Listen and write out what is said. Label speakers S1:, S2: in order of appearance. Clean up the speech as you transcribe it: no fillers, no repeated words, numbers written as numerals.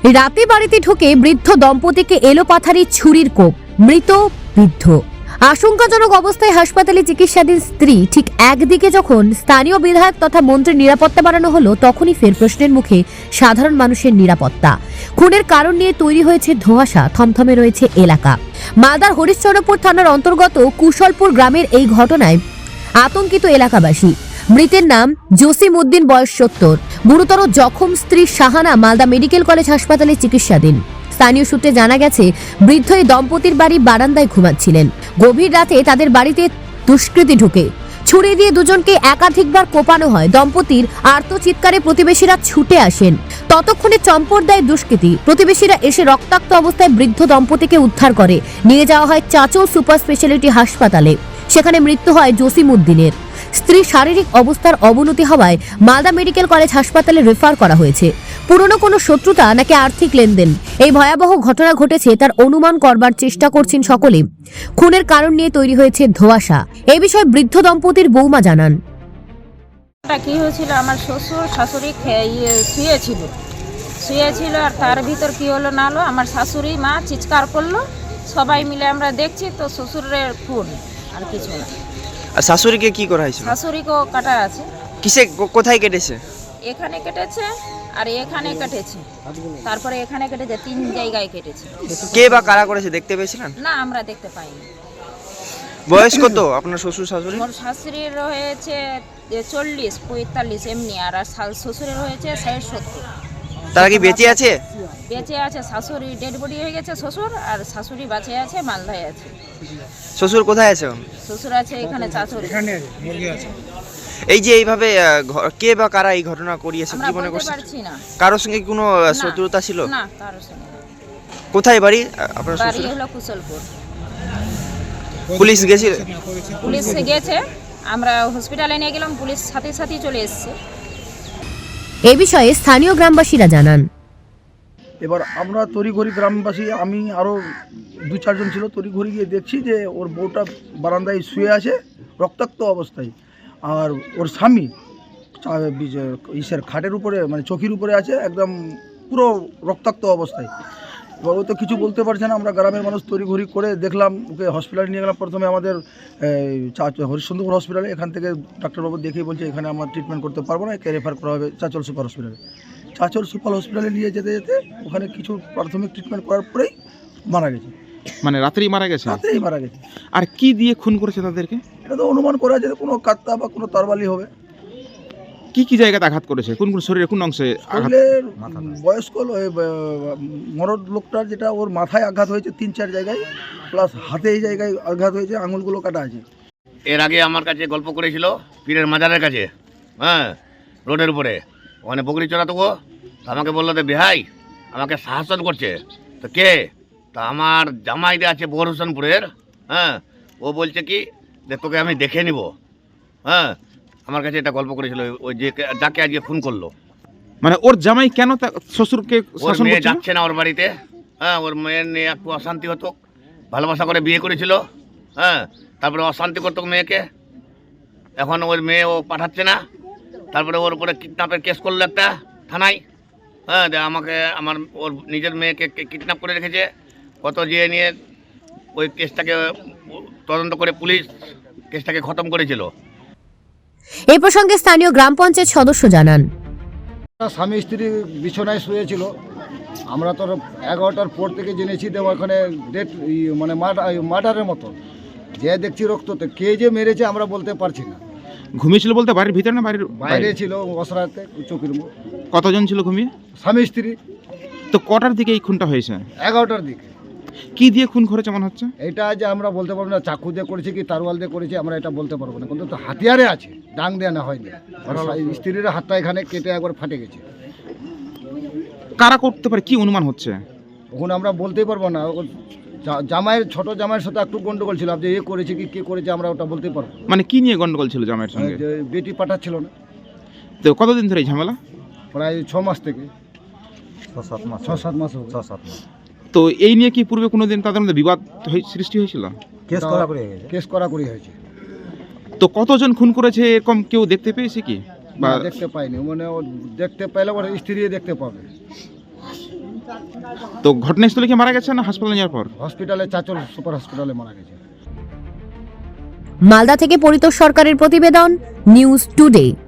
S1: রাতে বাড়িতে ঢুকে বৃদ্ধ দম্পতিকে এলোপাথারি ছুরির কোপ, মৃত বৃদ্ধ। আশঙ্কাজনক অবস্থায় হাসপাতালে চিকিৎসাধীন স্ত্রী। ঠিক একদিকে যখন স্থানীয় বিধায়ক তথা মন্ত্রীর নিরাপত্তা বাড়ানো হলো, তখনই ফের প্রশ্নের মুখে সাধারণ মানুষের নিরাপত্তা। খুনের কারণ নিয়ে তৈরি হয়েছে ধোঁয়াশা, থমথমে রয়েছে এলাকা। মালদার হরিশ্চন্দ্রপুর থানার অন্তর্গত কুশলপুর গ্রামের এই ঘটনায় আতঙ্কিত এলাকাবাসী। মৃতের নাম জসিম উদ্দিন, বয়স 70। গুরুতর জখম স্ত্রী শাহানা মালদা মেডিকেল কলেজ হাসপাতালে চিকিৎসাধীন। স্থানীয় সূত্রে জানা গেছে, বৃদ্ধ এই দম্পতির বাড়ি বারান্দায় ঘুমাচ্ছিলেন। গভীর রাতে তাদের বাড়িতে দুষ্কৃতী ঢুকে ছুরি দিয়ে দুজনকে একাধিকবার কোপানো হয়। দম্পতির আর্তচিৎকারে প্রতিবেশীরা ছুটে আসেন। ততক্ষণে চম্পট দেয় দুষ্কৃতী। প্রতিবেশীরা এসে রক্তাক্ত অবস্থায় বৃদ্ধ দম্পতিকে উদ্ধার করে নিয়ে যাওয়া হয় চাচল সুপার স্পেশালিটি হাসপাতালে। সেখানে মৃত্যু হয় জসিম উদ্দিনের। স্ত্রী শারীরিক অবস্থার অবনতি হওয়ায় মালদা মেডিকেল কলেজ হাসপাতালে রেফার করা হয়েছে। পুরনো কোনো শত্রুতা নাকি আর্থিক লেনদেন, এই ভয়াবহ ঘটনা ঘটেছে তার অনুমান করবার চেষ্টা করছেন সকলে। খুনের কারণ নিয়ে তৈরি হয়েছে ধোঁয়াশা। এই বিষয়ে বৃদ্ধ দম্পতির বৌমা জানান,
S2: কি হয়েছিল, আমার শ্বশুর শাশুড়ি শুয়েছিল আর তার ভিতর কি হলো না হলো, আমার শাশুড়ি মা চিৎকার করলো, সবাই মিলে আমরা দেখছি তো শ্বশুরের খুন, আর কিছু না।
S3: আর শাশুড়িকে কি করা হয়েছে?
S2: শাশুড়িকেও কাটা আছে।
S3: কিসে কোথায় কেটেছে?
S2: এখানে কেটেছে আর এখানে কেটেছে, তারপরে এখানে কেটেছে, 3 জায়গায় কেটেছে।
S3: কে বা কারা করেছে দেখতে পেয়েছিলেন?
S2: না, আমরা দেখতে পাইনি।
S3: বয়স কত আপনার শ্বশুর শাশুড়ি?
S2: মোর শাশুড়ির হয়েছে 40-45 এমনি, আর শ্বশুরের হয়েছে 60-70।
S3: তারা কি বেঁচে আছে?
S2: বেঁচে আছে, শাশুড়ি ডেড বডি হয়ে গেছে শ্বশুর, আর শাশুড়ি বাঁচে আছে, মালদায় আছে।
S3: শ্বশুর কোথায় আছে এখন?
S2: শ্বশুর আছে এখানে চাচল।
S3: এই যে এইভাবে কে বা কারা এই ঘটনা করিয়েছে
S2: আমরা
S3: কি মনে
S2: বলতে
S3: করছেন?
S2: পারছি না।
S3: কারোর সঙ্গে কোনো শত্রুতা ছিল?
S2: না, কারোর সঙ্গে না।
S3: কোথায় বাড়ি আপনার
S2: বাড়ি
S3: শ্বশুর?
S2: হলো কুশলপুর।
S3: পুলিশ গেছিল?
S2: পুলিশ গেছে, আমরা হসপিটালে নিয়ে গেলাম, পুলিশ সাথে সাথে চলে এসেছে।
S1: এই বিষয়ে স্থানীয় গ্রামবাসীরা জানান,
S4: এবার আমরা তড়িঘড়ি গ্রামবাসী, আমি আরও 2-4 জন ছিল, তড়িঘড়ি গিয়ে দেখছি যে ওর বউটা বারান্দায় শুয়ে আছে রক্তাক্ত অবস্থায়, আর ওর স্বামী ইসের খাটের উপরে, মানে চৌকির উপরে আছে, একদম পুরো রক্তাক্ত অবস্থায়। এবার ও তো কিছু বলতে পারছে না। আমরা গ্রামের মানুষ তড়িঘড়ি করে দেখলাম, ওকে হসপিটালে নিয়ে গেলাম। প্রথমে আমাদের হরিশ্চন্দ্রপুর হসপিটালে, এখান থেকে ডাক্তারবাবু দেখেই বলছে এখানে আমরা ট্রিটমেন্ট করতে পারবো না, একে রেফার করা হবে চাচল সুপার হসপিটালে। চাচল সুপার হসপিটালে নিয়ে যেতে যেতে ওখানে কিছু প্রাথমিক ট্রিটমেন্ট করার পরেই মারা গেছে।
S5: মানে রাতেই মারা গেছে?
S4: রাতেই মারা গেছে।
S5: আর কি দিয়ে খুন করেছে তাদেরকে?
S4: এটা তো অনুমান করা যায় কোনো কাত্তা বা কোনো তরবালি হবে।
S5: কি কি জায়গাতে আঘাত করেছে? কোন কোন শরীরে কোন অংশে আঘাত?
S4: শরীরের বয়স্ক মরদ লোকটার, যেটা ওর মাথায় আঘাত হয়েছে 3-4 জায়গায়, প্লাস হাতে এই জায়গায় আঘাত হয়েছে, আঙুলগুলো কাটা আছে।
S6: এর আগে আমার কাছে গল্প করেছিল পীরের মাজারের কাছে, হ্যাঁ, রোডের উপরে, ওখানে বকরি চড়াতো গো। তো আমাকে বললো যে বিহাই আমাকে শাসন করছে। তো কে? তা আমার জামাইটা আছে বোর হোসেনপুরের, হ্যাঁ, ও বলছে কি যে তোকে আমি দেখে নিব, হ্যাঁ, আমার কাছে এটা গল্প করেছিল, ওই যে যাকে আজকে খুন করলো।
S5: মানে ওর জামাই কেন শ্বশুরকে
S6: ওর
S5: শাসন
S6: মেয়ে
S5: করছিল?
S6: যাচ্ছে না ওর বাড়িতে, হ্যাঁ, ওর মেয়ের নিয়ে একটু অশান্তি হতো, ভালোবাসা করে বিয়ে করেছিল, হ্যাঁ, তারপরে অশান্তি করতো মেয়েকে। এখন ওর মেয়ে ও পাঠাচ্ছে না, তারপরে ওর উপরে কিডন্যাপের কেস করলো একটা থানায়, হ্যাঁ, আমাকে ওর নিজের মেয়েকে কিডন্যাপ করে রেখেছে। কত যেয়ে নিয়ে ওই কেসটাকে তদন্ত করে পুলিশ কেসটাকে খতম করেছিল।
S1: এই প্রসঙ্গে স্থানীয় গ্রাম পঞ্চায়েত সদস্য জানান,
S7: স্বামী স্ত্রী বিছানায় শুয়েছিল। আমরা তো 11টার পর থেকে জেনেছি যে ওখানে ডেট, মানে মার্ডারের মতো, যে দেখছি রক্ত, তো কে যে মেরেছে আমরা বলতে পারছি না।
S5: ঘুমিয়েছিল বলতে বাড়ির ভিতরে না বাইরে?
S7: বাইরে ছিল, অসরাতে চৌকির মুখ।
S5: কতজন ছিল ঘুমিয়ে?
S7: স্বামী স্ত্রী।
S5: তো কটার দিকে এই খুনটা হয়েছে?
S7: 11টার দিকে।
S5: কি দিয়ে খুন করেছে মনে হচ্ছে?
S7: এটা যে আমরা বলতে পারবো না, চাকু দিয়ে করেছে কি তারওয়াল দিয়ে করেছে আমরা এটা বলতে পারবো না, কিন্তু তো হাতিয়ারে আছে, ডাং দেওয়া না হয়নি। স্ত্রীর হাতটা এখানে কেটে একবার ফাটে গেছে।
S5: কারা করতে পারে কি অনুমান হচ্ছে?
S7: ওখানে আমরা বলতেই পারবো না। জামাইয়ের, ছোট জামাইয়ের সাথে একটু গন্ডগোল ছিল, যে এ করেছে কি কে করেছে আমরা ওটা বলতে পারবো।
S5: মানে কি নিয়ে গন্ডগোল ছিল জামাইয়ের সঙ্গে?
S7: যে বেটি পাঠাচ্ছিল না।
S5: তো কতদিন ধরে এই ঝামেলা?
S7: প্রায় 6 মাস থেকে 6-7 মাস।
S5: তো এই নিয়ে কি পূর্বে কোনোদিন তাদের মধ্যে বিবাদ সৃষ্টি হয়েছিল?
S7: কেস করাকরি হয়েছে।
S5: তো কতজন খুন করেছে এরকম কেউ দেখতে পেয়েছে কি?
S7: বা দেখতে পাইনি, মানে ও দেখতে পাইলে ওর স্ত্রী দেখতে পাবে।
S5: তো ঘটনাস্থলে কি মারা গেছে না হাসপাতালে যাওয়ার পর?
S7: হসপিটালে চাচল সুপার হসপিটালে মারা গেছে।
S1: মালদা থেকে পরিতোষ সরকারের প্রতিবেদন, নিউজ টুডে।